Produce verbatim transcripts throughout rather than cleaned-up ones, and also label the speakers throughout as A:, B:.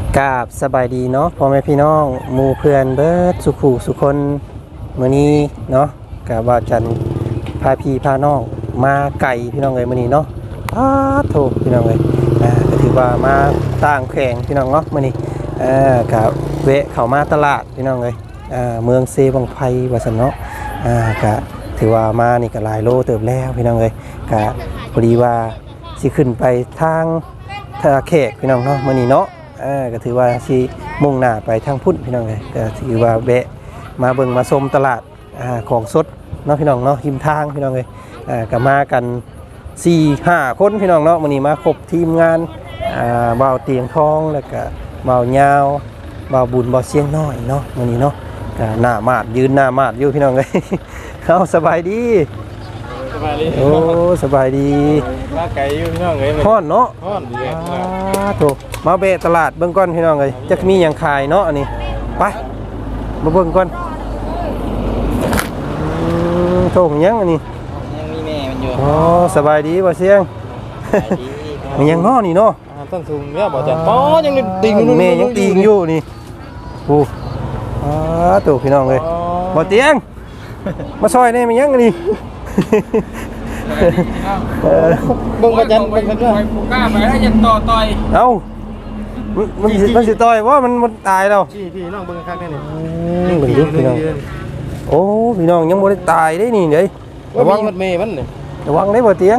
A: กราบสบายดีเนาะพ่อแม่พี่น้องหมู่เพื่อนเบิดสุขุสุคนมื้อนี้เนาะกะว่าจันพาพี่พาน้องมาไก่พี่น้องเอ้ยมื้อนี้เนาะอ้าโถพี่น้องเอ้ยอ่าก็ถือว่ามาต่างแข่งพี่น้องเนาะมื้อนี้เอ่อกะแวะเข้ามาตลาดพี่น้องเอ้ยอ่าเมืองเซบังไพว่าซั่นเนาะอ่ากะถือว่ามานี่ก็หลายโลเติบแล้วพี่น้องเอ้ยกะพอดีว่าสิขึ้นไปทางท่าแขกพี่น้องเนาะมื้อนี้เนาะอ่าก็ถือว่าสิมุ่งหน้าไปทางพุ่นพี่น้องเลยก็ถือว่าแวะมาเบิ่งมาชมตลาดอ่าของสดเนาะพี่น้องเนาะริมทางพี่น้องเลยอ่าก็มากัน สี่ ห้า คนพี่น้องเนาะมื้อนี้มาครบทีมงานอ่าบ่าวเตียงทองแล้วก็บ่าวยาวบ่าวบุญบ่าวเสียงน้อยเนาะมื้อนี้เนาะก็หน้ามาดยืนหน้ามาดอยู่พี่น้องเลย เฮาสบายดี
B: สบายดี
A: โอ้สบายดี
B: มาไก่อยู่พี่น้องเอ้ย
A: ฮ้อนเนาะ
B: ฮ้อนดีเลย
A: อ่าโถมาเบะตลาดเบิ่งก่อนพี่น้องเอ้ยจักมีหยังขายเนาะอันนี้ไปมาเบิ่งก่อนอืมโถหยังอันนี้
B: ยังมีแม่มันอยู่
A: อ๋อสบายดีบ่เสียงมันยังง้อนี่เนาะ
B: ต้นทุนเนี่ยบ่จัดอ๋อยังติงอยู่
A: แม่ยังติงอยู่นี่โอ้อ่าโถพี่น้องเอ้ยบ่เตียงมาซอยได้มันยังอันนี้
B: เบิ่งบ่จัดเบิ่งกันด้วยกล้าไปแล้วยันต่อต่อย
A: เอ้ามันมันสิต่อยว่ามันมันตายแล้ว
B: พี่พี่น้องเบิ่งคักแน่นี่
A: เบิ่งดูพี่น้องโอ้พี่น้องยังบ่ได้ตายได้นี่เด้
B: ระวังมันเมย์มันนี่
A: ระวังได้บ่เตียง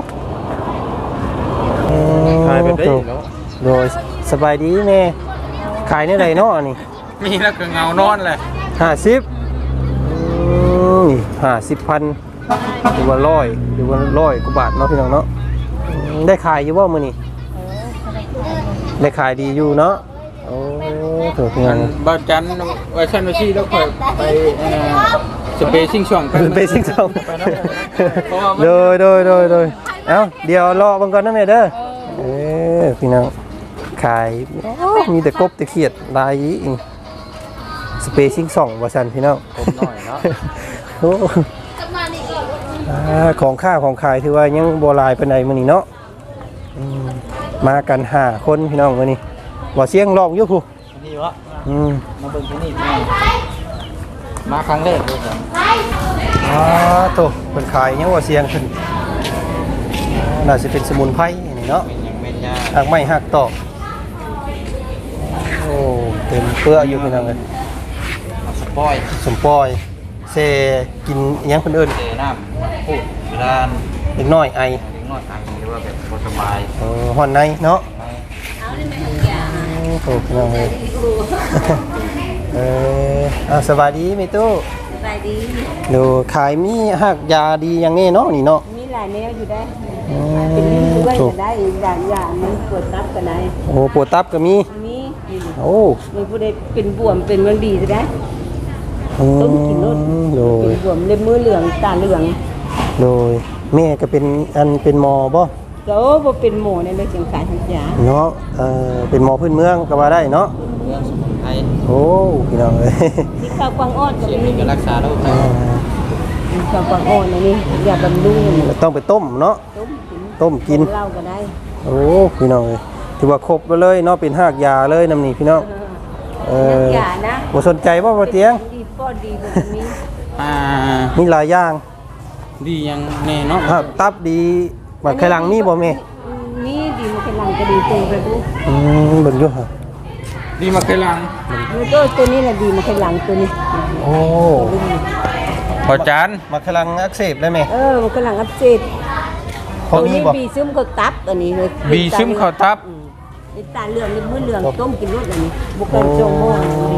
B: ขายแบบได้เนาะ
A: โดยสบายดีแม่ขายในใดเนาะนี่
B: มีแล้วก็เงานอนเลย
A: ห้าสิบอืมห้าสิบพันหรือว่าร้อยหรือว่าร้อยกว่าบาทเนาะพี่น้องเนาะได้ขายอยู่บ่มื้อนี้ได้ขายดีอยู่เนาะโอ้ถูกงาน
B: บ่จันไว้ชั้นไว้ที่แล้วค่อยไปเอ่อสเปซิ่งช่อง
A: กันสเปซิ่งช่องโดยโดยโดยโดยเอ้าเดี๋ยวรอเบิ่งก่อนนะแม่เด้อเออพี่น้องขายมีแต่กบแต่เขียดลายอีกสเปซิ่งช่องว่าซั่นพี่น้อง
B: กบน้อยเนาะ
A: โอ้ของข้าของขายถือว่ายังโบราณเป็นไงมื้อนี้เนาะมากันห้าคนพี่น้องมื้อนี้บ่เสียงร้องอยู่ครู
B: นี่วะ
A: อืม
B: มาเบิ่งที่นี่มาครั้งแรกเลยจ้ะ
A: อ๋อโตเพิ่นขายยังว่าเสียงขึ้นน่าสิเป็นสมุนไพรนี่เนาะ
B: เป็นยังเป็นยา
A: หักไม้หักตอกโอ้เต็มเปลือกอยู่พี่น้องเอ้ย
B: สปอย
A: สมปอยเซกินยังเพิ่นเอิ้น
B: เซน้ำพูดเวลา
A: เด็กน้อยไอ
B: เด็กน้อยไอหรือว่าแบบบ่สบาย
A: เออฮ้อนในเนาะโอ้พี่น้องเอ้ยเอออ่ะสบายดีมิตู้
C: สบายดี
A: ดูขายมีหักยาดีอย่างนี้เนาะนี่เนาะ
C: มีหลายแนวอยู่ได้เป็นลิ้นด้วยก็ได้อย่างอย่างมันปวดตับก็ได้
A: โอ้ปวดตับก็มี
C: มี
A: โอ้
C: มันผู้ใดเป็นบวมเป็นมันดีได้ต้มกินรสเป็นบวมเล็บมือเหลืองตาเหลือง
A: โดยแม่ก็เป็นอันเป็นหมอบ่
C: โอ้บ่เป็นหมอในเรื่องจังสายทักยา
A: เนาะเออเป็นหมอพื้นเมืองก็ว่าได้เนาะ
B: เมืองสมุนไพร
A: โอ้พี่น้องเอ้ย
C: ที่ข้าวกวางอ้อนก็มี
B: รักษาโรคไต
C: ข้าวกวางอ้อนนี่ยาบำรุง
A: ต้องไปต้มเนาะต้มกิน
C: เหล้าก็ได้
A: โอ้พี่น้องเอ้ยถือว่าครบไปเลยเนาะเป็นหากยาเลยนำนี่พี่น้องเออ
C: อย่านะ
A: บ่สนใจบ่บ่เตียง
C: ดีป้อดีบ่มี
B: อ่า
A: มีหลายอย่าง
B: ดียังแน่เนาะ
A: ตับดีบักไขลังมีบ่แม่
C: มีดีมาไขลังก็ดีตรงไปดู
A: อืมเบิ่งอยู่ฮะ
B: ดีมาไขลัง
C: มันก็ตัวนี้แหละดีมาไขลังตัวนี้
A: โอ้
B: พอจาน
A: มาไขลังอักเสบได้ไหม
C: เออมาไขลังอักเสบ
A: พอมีบ่
C: บีซึมเข้าตับอันนี้เลย
B: บีซึมเข้าตับ
C: นี่ตาเหลืองนี่มือเหลืองต้มกินรสอันนี้บุกกันโจโม่ดี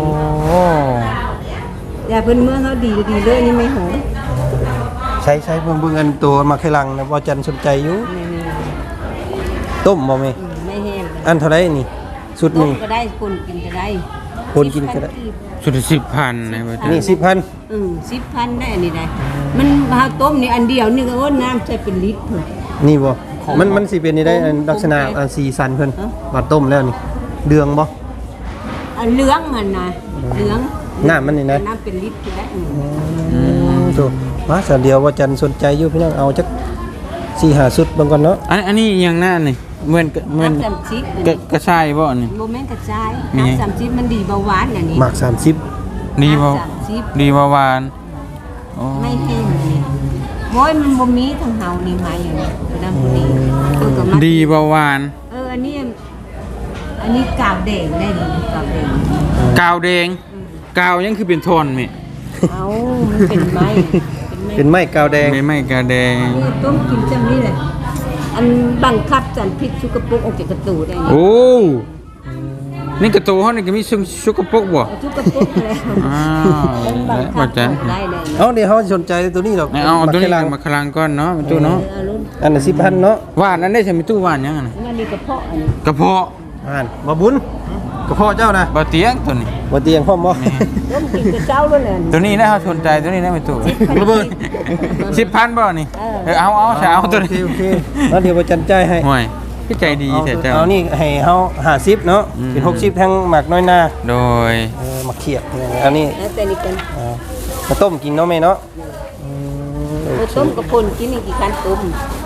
C: ยาเพิ่นเมื่อเขาดีดีเลยนี่ไม่หอม
A: ใช้ใช้เบิ่งเบิ่งอันตัวมาไขลังนะบ่จันสนใจอยู่ต้มบ่แม่
C: ไม่แห้ง
A: อันเท่าไรนี่สุดนึง
C: ก็ได้คนกินก็ได้
A: คนกินก็ได้
B: สุดสิบพันนะว่า
A: นี่สิบพัน
C: อืมสิบพันได้อันนี้ได้มันเฮาต้มนี่อันเดียวนี่ก็โอ้น้ำใส่เป็นลิตรพุ่น
A: นี่บ่มันมันสิเป็นนี่ได้ลักษณะอันสีสันเพิ่นมาต้มแล้วนี่เดืองบ่
C: อันเหลืองอันน่ะเหลือง
A: น้ำมันนี่นะ
C: น้ำเป็นลิตรได้
A: อืมโตมาซะเดียวว่าจันสนใจอยู่พี่น้องเอาจักสี่ห้าสุดเบิ่งก่อนเนาะ
B: อันอันนี้ยังหน้านี่เหมือนเหมือน
C: น้ำสามชิป
B: กระกระชายบ่นี่
C: โมเมนต์กระจาย
B: มีไง
C: น้ำสามชิปมันดีเบาหวานอย่างนี้
A: หมักสามสิบ
B: ดีบ่
C: น้ำสามชิป
B: ดีบ่หวานโอ้
C: ไม่แห้งนี่โอ้ยมันบ่มีทางเฮานี่มาอย่างนี้น้ำพอดีคือกับมัน
B: ดีบ่หวาน
C: เอออันนี้อันนี้กาวแดงได้ดีกาวแดง
B: กาวแดงกาวยังคือเป็นทอนแม่
C: เอ้ามันเป็นไม้
A: เป็นไม้กาวแดง
B: ไม่ไม่กาวแดง
C: นี่ต้มกินจังนี่เลยอันบังคับจันพิษชุกกระปุกออกจากกระตูได้นี่
B: โอ้นี่กระตูเฮานี่ก็มีซุชุกกระปุกบ่
C: เอาชุกกระปุกแล้ว
B: อ้าว
C: มันบังคั
B: บ่
C: บ
B: จัน
C: ออกได้เลย
A: เอาเดี๋ยวเขาสนใจตัวนี้หรอก
B: เอาเอาตัวนี้
A: หมัก
B: มาคลังก่อนเนาะมันตู้เนาะ
C: เอารุ่น
A: อันละสิบพันเนาะ
B: หวานนั้นได้ใช่มั้ยตู้หวานยังอะน่ะ
C: มันมีกระเพาะอันนี้
B: กระเพาะ
A: อ่านมาบุญกระเพาะเจ้านะ
B: บ่เตียงตัวนี้
A: บ่เตียงพร้อมบ่
C: ต้มกินกับเจ้าด้วยเลย
B: ตัวนี้นะเขาสนใจตัวนี้นะไม่ตู้ระเบิดสิบพันบ่นี่
C: เออ
B: เออเอาเอาใช่เอาตัว
A: โอ
B: นี้
A: เคโอเคแล้วเดี๋ยวบ่จันใจายให้
B: ห่วยพี่ใจดี
A: เอา
B: แต่เจ้า
A: เอานี่ให้เฮาห้าสิบเนาะ
B: อืม
A: เป็นหกสิบทั้งหมักน้อยหน้า
B: โดย
A: เออหมักเขียดอันนี้
C: แล้วแต่นี่กัน
A: เอามาต้มกินเนาะแม่เนาะอืม
C: เอาต้มกับพนกินอีกกี่คันต้ม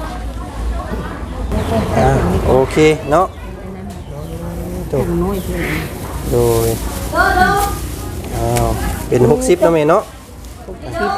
A: อ่ะโอเคเนาะจบ
C: น้อยเท่านั้น
A: โดยอ้าวเป็นหกสิบเนาะแม่เนาะ
C: หกสิบ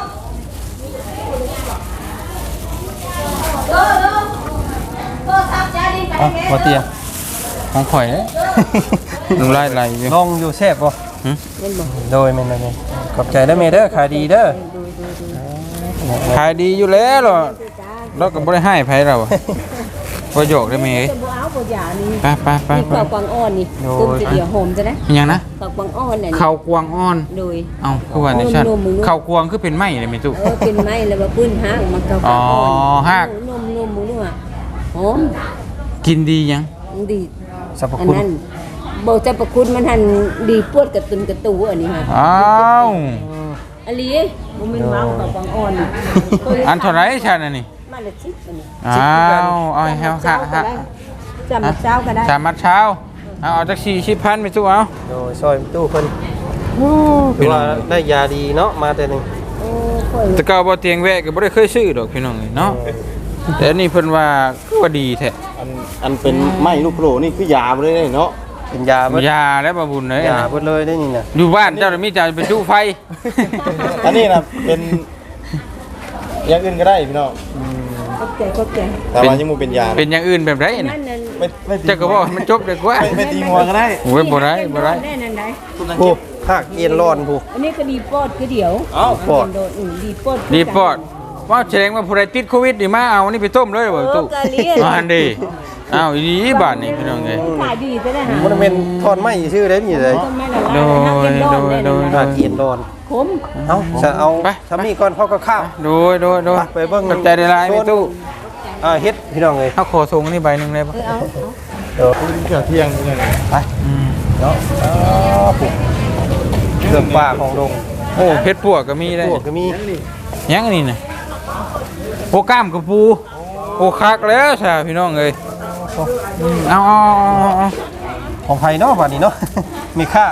A: อ่ะบ่เตียง
B: ของข่อยเด้น้ำลายไหลอยู่
A: ลองอยู่แซ่บบ่
B: หึ
C: เล่นบ่
A: โดยแม่นๆนี่ขอบใจเด้อแม่เด้อขายดีเด้อ
B: ขายดีอยู่แล้วเหรอเราก็บ่ได้ให้ไผเราบ่โยกได้ไหมเอ้ย
C: จะบ่เอาบ่หยานี่
B: ไปไปไป
C: นี่
B: ไป
C: ข้าวกวางอ่อนนี่
A: โอ้ย
C: ต้มจะเดียวหอมจะได้
B: อิหยังนะ
C: ข้าวกวางอ่อนน่ะนี่
B: ข้าวกวางอ่อน
C: โดย
B: เอ้าคือว่าในชั้น
C: นมๆๆ
B: ข้าวกวางคือเป็นไม้เลยแม่ตู้
C: เออเป็นไม้แล้วมาปื้นห้างมาข้าวกวางอ่อน
B: อ๋อหาก
C: นมนมมึงดูอ่ะหอม
B: กินดียัง
C: มันดี
A: สรรพ
C: อัน
A: คุณ
C: นั้นบอกจะประคุณมันหันดีปวดกระตุนกระตูอันนี้ฮะ
B: อ้าว
C: อันนี้มันเป็นเมาส์ข้าวกวางอ่อน
B: อันเท่าไหร่ชั้นอันนี้
C: มาละชิปอันนี้
B: อ้าวเอาให้เฮาค่ะฮะ
C: จำเช้าก็ได้
B: สามมัดเช้าเอาเอาจากสี่สิบพันไปตู้เอา
A: โดยซอยตู้เพิ่นถือว่าได้ยาดีเนาะมาแต่หนึง
C: โอ้ค่อย
B: แต่เก่าบ่เตียงแวะก็บ่ได้เคยซื้อดอกพี่น้องเอ้ยเนาะแต่อันนี้เพิ่นว่าคือว่าดีแท้
D: อันอันเป็นไม้ลูกโผล่นี่คือยาบ่ได้เนาะ
A: เป็นยาเบิด
B: ยาและบะบุญเลย
A: ยาเบิดเลยได้นี่น่ะ
B: อยู่บ้านเจ้าน่ะมีจ่าเป็นตู้ไฟ
D: อันนี้นะเป็นอย่างอื่นก็ได้พี่น้อง
C: ก็แก่ก็แก่
D: แต่ว่ายังบ่เป็นยา
B: เป็นอย่างอื่นแบบไร
C: นั่
B: น่ะ
C: นนั่น
D: ไม่ไม่ตี
B: เจ้าก็บอกให้มันจบดีกว่า
D: ไม่ไม่ตีงัวก็ได้
B: โอ้ยบ่ได้บ่ได้
C: แน่นั่นได้
A: ผู้ภาคเอียนร้อนผู้
C: อันนี้ก็ดีปอดคือเดี๋ยว
D: เอ้า
A: ปอด
C: โดนอืมดีปอด
B: ดีปอดว่าแสดงว่าผู้ใดติดโควิดนี่มาเอาอันนี้ไปต้มเลยบ่ตู้
C: เออกะเลีย
B: อ่านดีอ้าวอีดีบ้านนี่พี่น้องเอ้ย
C: ขายดีซะได้หา
A: มันเป็นทอนไม้ชื่อได้นี่เลย
C: ต้นไม้ละ
B: โด
C: ลาย
B: ยโดยโดย
A: ภาคเอียนร้อน
C: ขม
A: เอ้าจะเอา
B: ไป
A: ทำนี่ก่อนเขาก็ข้าว
B: โดยโดยโดย
A: ไปเบิ่ง
B: ขอบใจได้หลายพี่ตู้
A: อ่าเฮ็ดพี่น้องเอ้ย
B: เฮาขอส่งอันนี้ใบหนึงได้บ่
C: เออเอา
A: เดี๋ยว
D: เกือบเที่ยงนี่ไง
A: ไป
B: อืม
A: เนาะอ๋อผู้เรื่องป่าของดง
B: โอ้เพชรปวกก็มีได้
A: พวกก็มี
B: ยังอันนี้น่ะโอ้กล้ามกับปูโอ้คักแล้วซะพี่น้องเอ้ยอืมเอาเอาเอาเอา
A: ของไผเนาะบัดนี้เนาะ มีค่า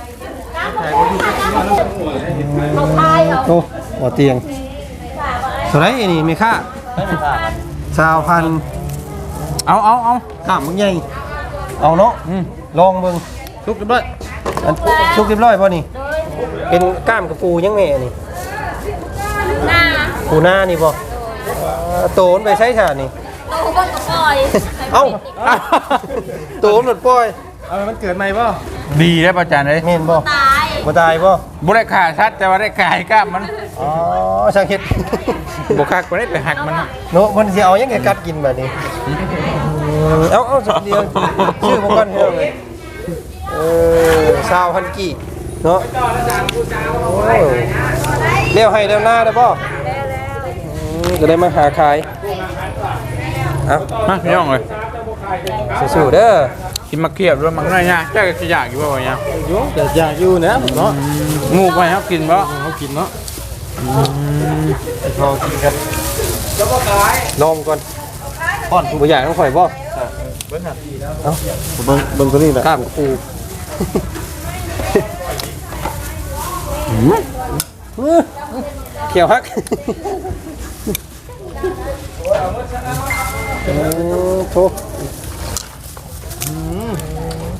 C: เอาพายเอา
A: โอ้บ่เตียงเท่าไหร่อันนี้มีค่าสาวพัน
B: เอาเอาเอา
A: ข้ามมึงใหญ่เอาเนาะ
B: อืม
A: ลองเบิ่ง
B: ทุกเรียบร้อย
A: อันสุกเรียบร้อยป่ะนี่ เป็นกล้ามกระปูยังไงนี่หน้าปูหน้านี่ป่ะโตนไปใช้ชานี่
E: โตก็กระปล่อย
A: เอ้า โตนหลุดปล่อย
D: เอามันเกิดใหม่ป่ะ
B: ดีได้ประจานเลย
A: เมนป่ะ
E: ตาย
A: บ่ตายป่ะ
B: บุได้ขาชัดแต่ว่าได้กายกล้ามมัน
A: อ๋อช่างเฮ็ด
B: บุคักบ่ได้ไปหักมัน
A: โน้มันสิเอายังไงกัดกินแบบนี้เอ้าเอ้าสักเดียวชื่อพวกกันเท่าไหร่เออชาวฮันกี้เนาะโอ้เลี้ยวให้เลี้ยวหน้าได้ป่ะจะได้มาหาขายเอ้า
B: มาพี่น้องเลย
A: สู้ๆเด้อ
B: กินมาเกียบด้วยมักน้อยเนี่ยเจ้าก็สิอยากอยู่บ่วะเนี่ย
D: อยู่แต่อยากอยู่นะเนาะ
B: งูไปครับกินบ่
D: เขากินเนาะ
A: ลองกินกันลองก่อนป้อนบ่อยากต้องข่อยบ่
D: เบิ่งครับเอ้าเบิ่งเบิ่งตัวนี้แหละ
A: กล้ามกับปูเขียวฮักโอ้โห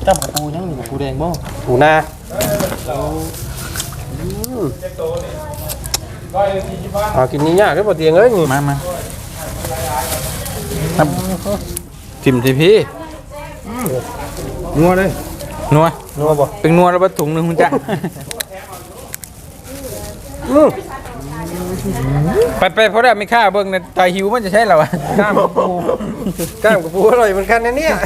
D: จ้ำกับปูยังกับปูแดงบ่
A: ปูนาเอากินนี่ยากได้บ่เตียงเอ้ยนี่
B: มามาครับจิ้มทีพี่
D: นัวเลย
B: นัว
A: นัวบ่
B: เป็นนัวแล้วบะถุงหนึ่งคุณจ้ะ
A: อือ
B: ไปไปเพราะได้ไม่ค่าเบิ่งในตาหิวมันจะใช่เหรอวะ
A: กล้ามกับปูกล้ามกับปูอร่อยเหมือนกันนะเนี่ย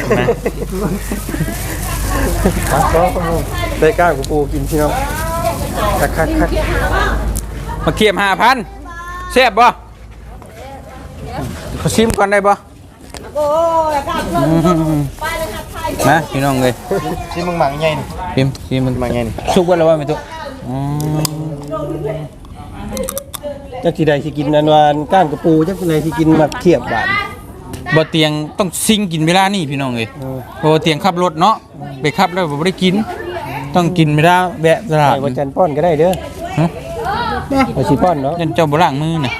A: ได้กล้ามกับปูกินพี่น้องคักคักคัก
B: มาเคียมห้าพันแซ่บบ่เขาชิมก่อนได้บ่นะพี่น้องเลย
D: ชิมมึงหมักใหญ่นี่
B: ชิมชิมมัน
D: หมักใหญ่นี่
B: สุกไว้แล้วว่าไม่ตุอืม
A: จักสิได้สิกินอันวานกล้ามกับปูจักสิได้สิกินแบบเขียบบาด
B: บ่เตียงต้องซิงกินเวลานี่พี่น้องเลยเพราะว่าเตียงขับรถเนาะไปขับแล้วบ่ได้กิน ต้องกินเวลาแวะตลาด
A: ไปวันจันทร์ป้อนก็ได้เด้อ
B: ฮะ
A: ไปสิป้อนเนาะ
B: ยันเจ้าบ่ล้างมือน่ะ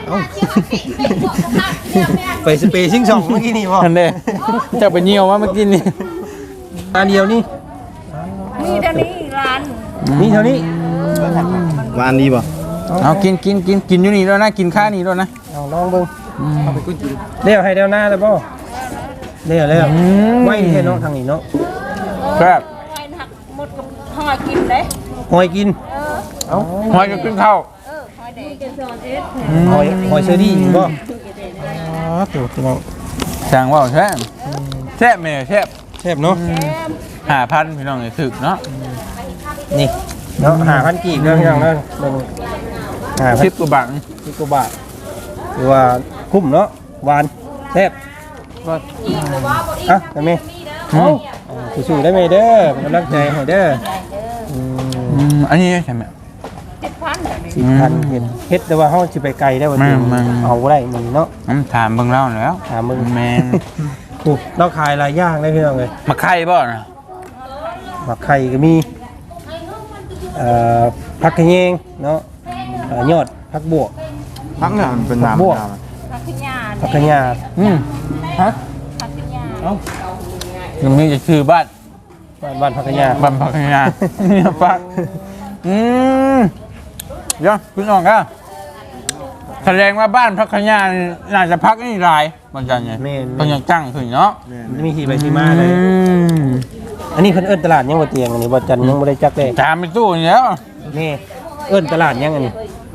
A: ไปสเปรย์ชิงช่องเมื่อกี้นี่บ่
B: นั่นเด้เจ้าไปเหี่ยวมาเมื่อกี้นี่
A: ตาเดียวนี่
C: มีเท่านี้ร้าน
A: นี่เท่านี้
D: หวานดีบ่
B: เอากินกินกินกินอยู่นี่แล้วนะกินข้าวนี่แล้วนะ
A: เอาลองเบิ่งเอาไปกุ้งกินเดี๋ยวให้เดี๋ยวหน้าแล้วบ่เดี๋ยวแล้วไว้แค่เนาะทางนี้เนาะ
B: ครับ
C: ไอ้หักหมดกับหอยกินเลย
A: หอยกิน
C: เออ
A: เอ้า
B: หอยจะกินข้าว
C: เออหอยแดงกินซอนเอส
A: หอยหอยเชอรี่บ่อ๋อตัวพี่น้อง
B: สั่งว่าแซ่บแซ่บแม่แซ่บ
A: แซ่บเนาะ
B: ห้าพันพี่น้องเลยถึกเนาะ
A: นี่เนาะหาพันกีบเด้อพี่น้องเด้อเบิ่งหาพัน
B: สิบกว่าบาท
A: สิบกว่าบาทหรือว่าคุ้มเนาะหวานแซ่บอ่ะได้ไหม
B: อืม
A: สู้ๆได้ไหมเด้อกำลังใจให้เด้ออืม
B: อืมอันนี้ใช่ไหม
C: เจ็ดพันแบบนี้
A: สิบพันเห็นเฮ็ดแต่ว่าเฮาสิไปไกลได้บ่จริง
B: มามา
A: เอาบ่ได้มึงเนาะ
B: น้ำถามเบิ่งเล่าแล้ว
A: ถามมึง
B: แมน
A: ถูกเราขายหลายอย่างเลยพี่น้องเอ้ย
B: มาไข่บ่นะ
A: หมักไข่ก็มีเอ่อผักขะแยงเนาะเอ่อยอดผักบวก
D: พักเนี่ยมันเป็นน้ำ
A: บวก
D: น้
C: ผักขึ้นยา
A: ผักขะยา
B: อืมฮะ
C: ผักขึ้นยา
A: เอ้า
B: ยังมีจะคือบ้าน
A: บ้านบ้านผักขะยา
B: บ้านพักงานเนี่ยฟักอืมเดี๋ยวคุณน้องก็แสดงว่าบ้านพักขยานน่าจะพักนี่หลายบางจันไง
A: แม่น
B: ต้องยังจังขึ้นเนาะ
A: มันมีที่ไปที่มาเลย
B: อืม
A: อันนี้เพิ่นเอิ้นตลาดยังบ่เตียงอันนี้บ่จันยังบ่ได้จักเลย
B: จามไปตู้นี่แล้ว
A: นี่เอิ้นตลาดยังอันนี้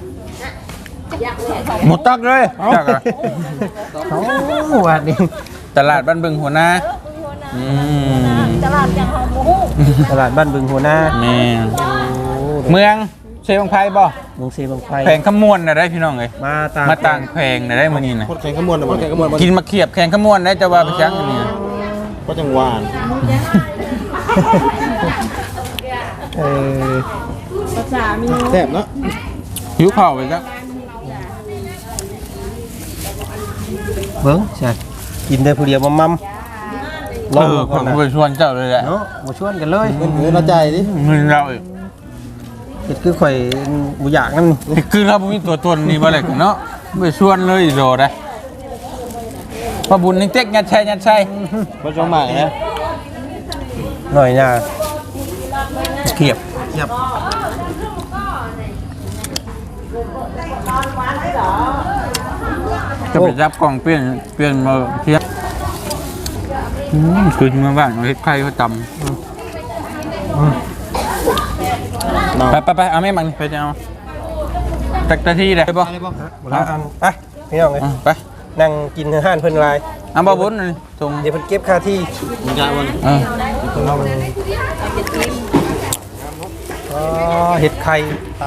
B: หมดตักเลยจักอะ
A: เอ้าว่านี่
B: ตลาดบ้านบึงหัวหน้าอืม
C: ตลาดอย่างหอมหมู
A: ตลาดบ้านบึงหัวหน้า
B: แม่
A: โอ้
B: เมืองเชฟงไพบ่
A: เมืองเซบังไฟ
B: แพงขมวนน่ะได้พี่น้องเอ้ย
A: มาตาม
B: มาต่างแพงน่ะได้มื้อนี้น่ะ
D: ำโคตรแข็งขมวนนะบ่แข็งขมวน
B: กินมาเขียบแพงขมวนได้จะว่าไปจังอันนี้น่ะ
D: ก็จังหวาน
A: เออ
C: ภาษามี
D: แซ่บเนาะ
B: หิวข้าวไปจัง
A: เบิ่งใช่กินได้ผู้เดียวมัมๆล
B: เอ
A: อง
B: อ
A: ดู
B: ผ
A: ก่อน
B: ม
A: นะ
B: ไปชวนเจ้าเลยแหละ
A: เนาะบ่ชวนกันเลย
D: เงินเงินเราใจายดิ
B: เงินเราอีก
A: เฮ็ดคือข่อยบ่อยากนั่นนี่
B: คือเราบ่มีตัวตนนี่บ่เลยเนาะไปชวนเลยโดได้ว่าบุญนี่เต็กยัดใช่ยัดใช่
D: บ่จงหมายนะ
A: หน่อยน่ะเขียบ
D: เทียบ
B: ก็ไปจับกล่องเปลี่ยนเปลี่ยนมาเทียบอืมคือมาบ้านเอาเฮ็ดไข่เขาตำไปไปไปเอาแม่มันไปจะเอาตักตะที่ได้ป่ะ
D: อะไรบ่
A: บ่ละอันไปพี่น้องเอ้ย
B: ไป
A: นั่งกินอาหารเพิ่นหลาย
B: เอาบ่บุญนี่ส่ง
A: เดี๋ยวเพิ่นเก็บค่าที่
D: มันจะวัน
B: เออ
A: อ๋อเห็ดไข่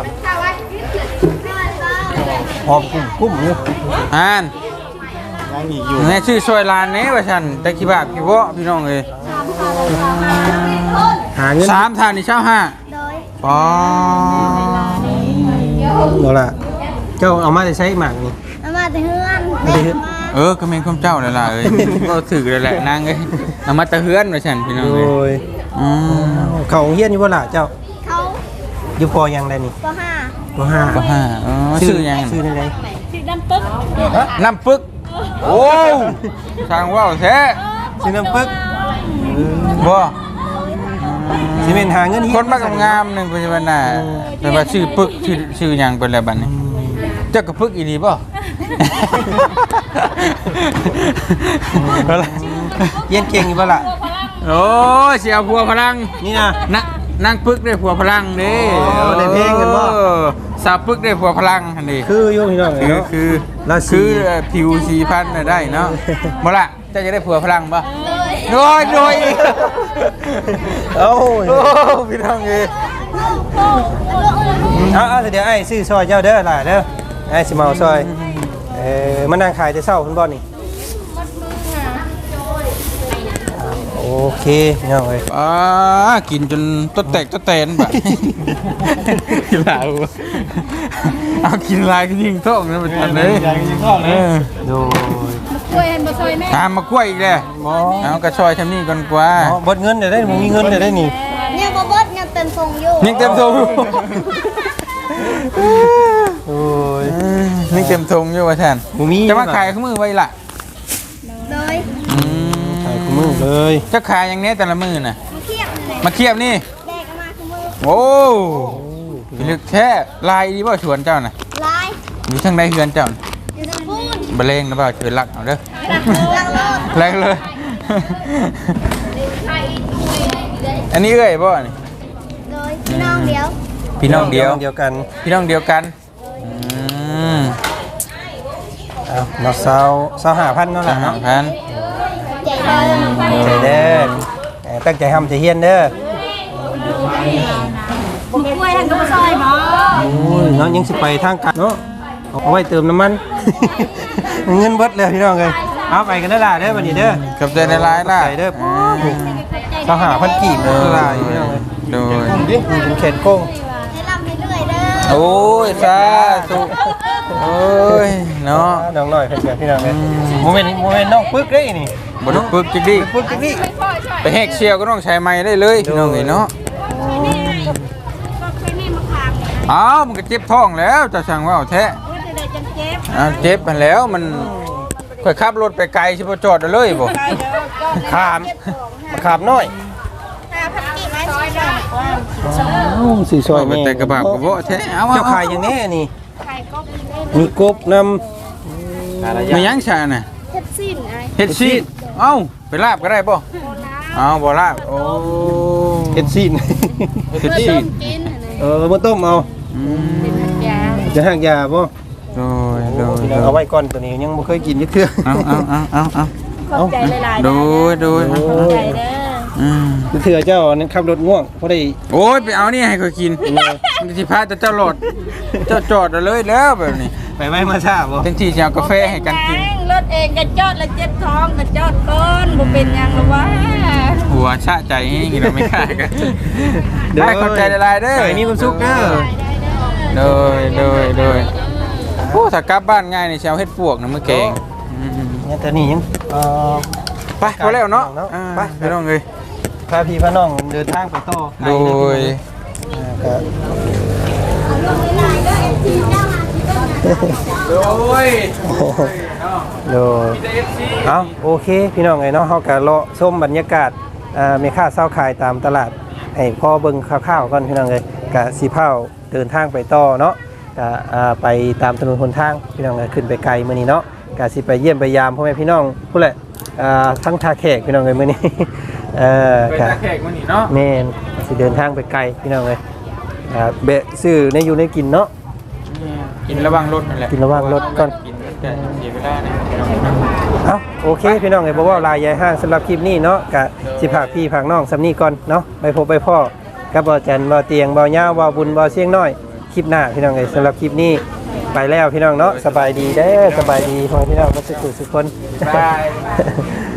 A: หอมกุ้มกุ้มอยู่
B: อ่าน
D: ยังอีกอยู่
B: แม่ชื่อซอยลานนี้ว่าฉันแต่กี่บาทกี่บ่พี่น้องเอ้ย
A: หาเงิน
B: สามทานนี่เช่าห้าปอ
A: บ่ล่ะเจ้าเอามาได้ใช้หมากนี่
C: เอามาแต่เฮือน
A: ไม่ได้เฮ็ด
B: เออก็เป็นความเจ้าแหละล่ะเอ้ยก็ถือเลยแหละนางเอ้ยเอามาตะเฮือนว่าฉันพี่น้อง
A: โด
B: เอ้ย
A: ย
B: อืม
A: เขาโรงเฮียนอยู่บ่ล่ะเจ้า
C: เขา
A: อยู่พอยังได้นี่
C: ปห้า
A: ปห้า
B: ก็ห้าอ๋อชื่อยัง
A: ชื่อในไหน
C: ชื่อดำปึ๊ก
B: น้ำปึกโอ้ช่างว่าวแท้
A: ชื่อน้ำปึ๊ก
B: บ่อื
A: สิเป็นหาเงินเฮีย
B: คนมากงามหนึ่งปัจจุบันน่ะเป็นว่าชื่อปึกชื่อชื่อหยังเป็นอะไรบัดนี้เจ้ากระปึกอีนีป่ะ
A: เรียนเก่งอยู่บ่ล่ะ
B: โอ้ยเสียผัวพลัง
A: นี่นะ
B: นะนั่งปึกได้ผัวพลังนี่
A: โอ้ได้เพลงกันบ่
B: สาวปึกได้ผัวพลังอันนี้
A: คืออยู่พี่น้อง
B: คือ
A: เนาะ
B: คือ
A: ราศี
B: คือผิวสีพันธุ์น่ะได้เนาะบ่ละเจ้าจะได้ผัวพลังป่ะโดยโดย
A: เอ้า
B: โอ้พี่น้องเอ้ย
A: เอาเอาเดี๋ยวไอ้ซื้อซอยเจ้าเด้อล่ะเด้อไอ้สิมาเอาซอยเอ่อมานั่งขายแต่เช้าคุณบ่นี่โอเคพี่น้องเอ้ย
B: อ่ากินจนตัวแตกตัวแตนแบบกินหลายเอากินหลายก็ยิงท้องนะมันทันเลย
D: อยากกินข้าวเลย
A: โดย
C: กล้วยเห็นบ่ซอยแม่
B: ตามมากล้วยอีกเลยเอากระชอยทำนี่ก่อนกว่า
A: อ๋อเบดเงินเดี๋ยวได้บ่มีเงินเดี๋ยวได้นี่
E: เนี่ยบ่เบิดยังเต็มทรงอยู่
B: ยังเต็มทรง
A: โอ้ย
B: ยังเต็มทรงอยู่ว่าแทน
A: บ่มี
B: จะมาขายข้ามือไว้ล่ะ
E: เลย
B: อืม
A: ขายคู่มือเลย
B: จะขายอย่างนี้แต่ละมือน่ะ
E: มาเทียบเลย
B: มาเทียบนี่
E: แดกกันมาคือมือ
B: โอ้พิลึกแท้ลายดีบ่ชวนเจ้าน่ะ
E: ลาย
B: อยู่ทางใดเฮือนเจ้าน่ะ
E: อยู่ตรงพูน
B: บะเลงนะบ่าวช่วยรักเอาเด้อ
E: ลังโลด
B: แรงเลย อันนี้เอ้ยบ่นี่
E: เลยพี่น้องเดียว
B: พี่น้องเดียว
A: เดียวกัน
B: พี่น้องเดียวกันอืม
A: เอาเนาะเซาเซาห้าพันเนาะ
B: สา
A: ล่ะ
B: ม
A: เนาะ
B: พัน
E: ใจเลย
A: ใจเด้อเอ่อตั้งใจทำใจเฮียนเด้อ
C: บ่กล้วยหันก็บ่ซอยบ่
A: โอ้ยเนาะยังสิไปทางกันเนาะเอาไว้เติมน้ำมัน เงินเบิดเลยพี่น้องเลยเอาไปกันเด้อล่ะเด้อบัดนี้เด้อ
B: กับใจในร้ายล่ะ
A: ใจเด้อเซาห้าพันกีบเด้อล่ะพี่น้องเลย
B: โดย
A: นี่เป็นแขนโค้ง
E: ให้ลำให้เรื่อยเด้อ
B: โอ้ยสาธุโอ้ยเนาะ
A: น้องน้อยเพิ่นกันพี่น้องเลยโมเมนต์โมเมนต์น้องปึ๊กเด้นี่
B: บ่ต้องปึกจิกดิ
A: ปึ๊กจังนี่
B: ไปแหกเชียวก็ต้องใช้ไม้ได้เลยพี่น้องเอ้ยเนาะอ้าวมันก็เจ็บท้องแล้วจะสั่งว่าเอาแท้อ้าวเจ็บมันแล้วมันค่อยขับรถไปไกลสิบ่จอดเอาเลยบ่
A: ขามมะขามน้อย
E: ห้าพันกี่ไม้ซอยได้
A: อ้าวสีซอย
B: เอาไป
A: แม่
B: แต่กระบะกระโบะแท้เอา
A: เจ้า
B: เอา
A: ขายอย่างนี้นี่
E: ไข่ก็กินได้
A: มีกบน
B: ไม่ยั้งชาน่ะ
E: เฮ็ดสิ้นไอ้
B: เฮ็ดซีดเอ้าไปลาบก็ได้ป่ะเอาบ่ลาบโอ้
A: ำเฮ็ดซีน
B: เฮ็ดซีด
E: กิน
A: เออมาต้มเอา
B: อืม
E: ยา
A: จะหักยาบ่
B: โดยโดย
A: พี่
B: โด
A: น้อง
B: ย
A: เอาไว้ก่อนตัวนี้ยังบ่เคยกินยักเทื่อ
B: เอาเอาเอาเอาเอา
C: ขอบใจหลายๆ
B: โดยโดย
A: โอ้
C: ใจเด้อ
B: อืม
A: เทื่อเจ้านั้นขับรถง่วงบ่ได้
B: โอ้ยไปเอานี่ให้เขากินมันสิพาแต่เจ้าโหลดเจ้าจอดเอาเลยแล้วแบบนี้
A: ไปไว้มาช้าบ่
B: เต็มที่จะเอากาแฟให้กันกิน
C: รถเองก็จอดแล้วเจ็บท้องก็จอดก่อนบ่เป็นหยังหรอกวะ
B: หัวชะใจให้เราไม่ค่ากันได้ขอบใจหลายๆเด้อ
A: ไอ้มีความสุขเด้อ
B: โดยโดยโดยโอ้ถ้ากลับบ้านง่ายนี่สิเชาวเฮ็ดปวกนะมื้อแกงอืม
A: เนี่ยแต่นี่ยังเอ่อ
B: ไปพอแล้วเนาะ
A: เนาะ
B: อ่า
A: ไป
B: ไปน้องเลย
A: พาพี่พาน้องเดินทางไปต่อ
B: โดย
A: อ่าก็
B: โดย
A: โดยเอาโอเคพี่น้องไงเนาะเฮาก็เลาะชมบรรยากาศอ่าแม่ค้าเช้าขายตามตลาดให้พ่อเบิ่งคร่าวๆก่อนพี่น้องเอ้ยก็สิพาเดินทางไปต่อเนาะก็อ่าไปตามถนนหนทางพี่น้องเอ้ยขึ้นไปไกลมื้อนี้เนาะก็สิไปเยี่ยมไปยามพ่อแม่พี่น้องผู้แหละอ่าทั้งท่าแขกพี่น้องเอ้ยมื้อนี้ เออ
B: ไป
A: ก็
B: ตาแขกมื้อนี้เนาะ
A: แม่นสิเดินทางไปไกลพี่น้องเอ้ยอ่าเบะซื้อในอยู่ในกินเนาะ
B: กินระวังรถนั่นแหละ
A: กินระวังรถก่อน
B: กินแต่เสียเวลาเนี่ย
A: เอาโอเคพี่น้องไอ้บอกว่าลายยายห้างสำหรับคลิปนี้เนาะกะสิพากพี่พากน้องสำนีก่อนเนาะไปพบไปพ่อกับบ่อจันบ่อเตียงบ่อย่าบ่อบุญบ่อเสียงน้อยคลิปหน้าพี่น้องไอ้สำหรับคลิปนี้ไปแล้วพี่น้องเนาะสบายดีเด้อสบายดีพ่อพี่น้องมาสุขสุขคน
B: บาย